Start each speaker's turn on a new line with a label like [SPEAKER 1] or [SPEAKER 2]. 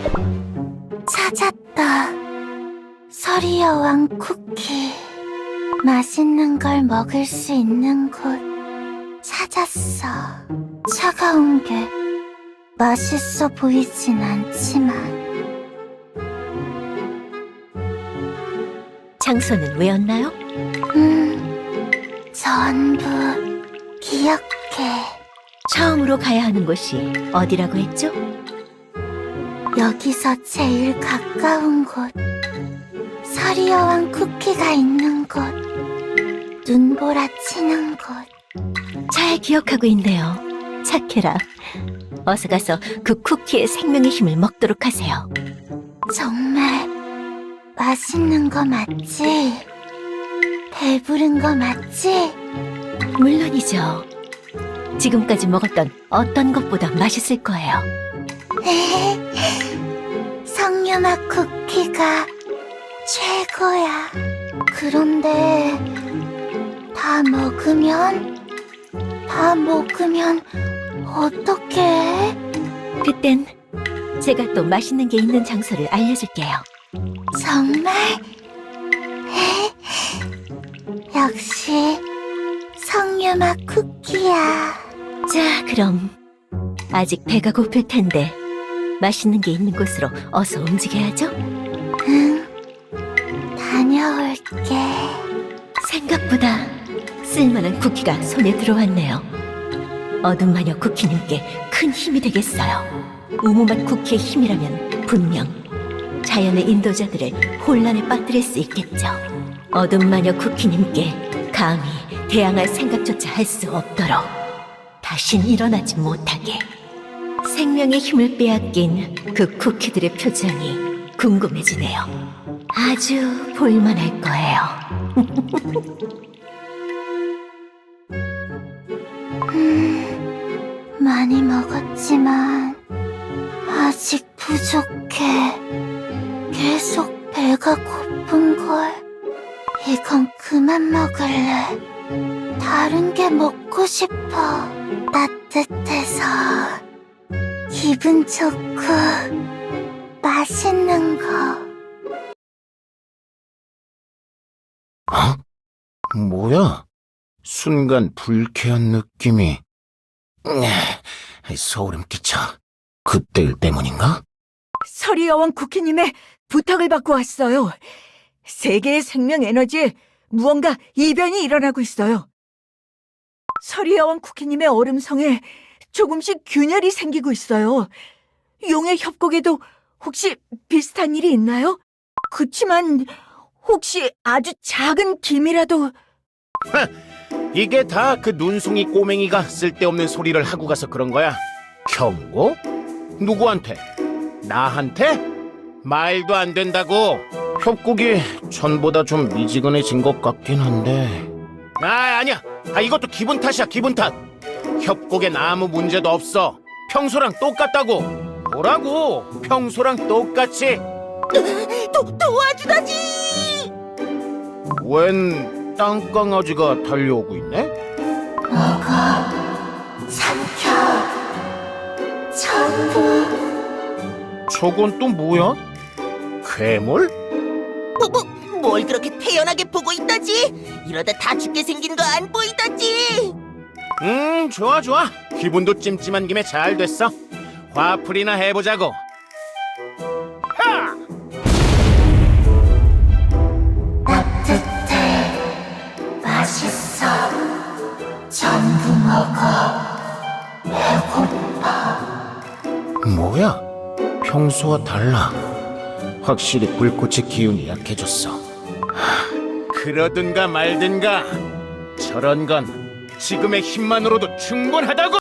[SPEAKER 1] 찾았다. 서리 여왕 쿠키. 맛있는 걸 먹을 수 있는 곳 찾았어. 차가운 게 맛있어 보이진 않지만.
[SPEAKER 2] 장소는 왜였나요?
[SPEAKER 1] 전부 기억해.
[SPEAKER 2] 처음으로 가야 하는 곳이 어디라고 했죠?
[SPEAKER 1] 여기서 제일 가까운 곳. 서리 여왕 쿠키가 있는 곳. 눈보라 치는 곳.
[SPEAKER 2] 잘 기억하고 있네요. 착해라. 어서 가서 그 쿠키의 생명의 힘을 먹도록 하세요.
[SPEAKER 1] 정말 맛있는 거 맞지? 배부른 거 맞지?
[SPEAKER 2] 물론이죠. 지금까지 먹었던 어떤 것보다 맛있을 거예요.
[SPEAKER 1] 석류맛 쿠키가 최고야. 그런데 다 먹으면 어떡해?
[SPEAKER 2] 그땐 제가 또 맛있는 게 있는 장소를 알려줄게요.
[SPEAKER 1] 정말? 역시 석류맛 쿠키야.
[SPEAKER 2] 자, 그럼 아직 배가 고플 텐데 맛있는 게 있는 곳으로 어서 움직여야죠.
[SPEAKER 1] 응, 다녀올게.
[SPEAKER 2] 생각보다 쓸만한 쿠키가 손에 들어왔네요. 어둠 마녀 쿠키님께 큰 힘이 되겠어요. 우무맛 쿠키의 힘이라면 분명 자연의 인도자들을 혼란에 빠뜨릴 수 있겠죠. 어둠 마녀 쿠키님께 감히 대항할 생각조차 할 수 없도록 다신 일어나지 못하게. 생명의 힘을 빼앗긴 그 쿠키들의 표정이 궁금해지네요. 아주 볼만할 거예요.
[SPEAKER 1] 많이 먹었지만 아직 부족해. 계속 배가 고픈걸. 이건 그만 먹을래. 다른 게 먹고 싶어. 따뜻해서 기분 좋고 맛있는 거.
[SPEAKER 3] 뭐야? 순간 불쾌한 느낌이. 소름 끼쳐. 그때 때문인가?
[SPEAKER 4] 서리 여왕 쿠키님의 부탁을 받고 왔어요. 세계의 생명 에너지에 무언가 이변이 일어나고 있어요. 서리 여왕 쿠키님의 얼음성에 조금씩 균열이 생기고 있어요. 용의 협곡에도 혹시 비슷한 일이 있나요? 그치만 혹시 아주 작은 김이라도...
[SPEAKER 3] 이게 다 그 눈송이 꼬맹이가 쓸데없는 소리를 하고 가서 그런 거야. 경고? 누구한테? 나한테? 말도 안 된다고. 협곡이 전보다 좀 미지근해진 것 같긴 한데. 아니야. 이것도 기분 탓이야, 기분 탓. 협곡엔 아무 문제도 없어. 평소랑 똑같다고. 뭐라고? 평소랑 똑같이.
[SPEAKER 4] 도와주다지!
[SPEAKER 3] 웬 땅강아지가 달려오고 있네?
[SPEAKER 1] 먹어. 삼켜. 전부.
[SPEAKER 3] 저건 또 뭐야? 괴물?
[SPEAKER 5] 뭘 그렇게 태연하게 보고 있다지? 이러다 다 죽게 생긴 거 안 보이다지?
[SPEAKER 3] 좋아. 기분도 찜찜한 김에 잘 됐어. 화풀이나 해보자고. 하!
[SPEAKER 1] 따뜻해. 맛있어. 전부 먹어. 배고파.
[SPEAKER 3] 뭐야? 평소와 달라. 확실히 불꽃의 기운이 약해졌어. 그러든가 말든가. 저런 건 지금의 힘만으로도 충분하다고!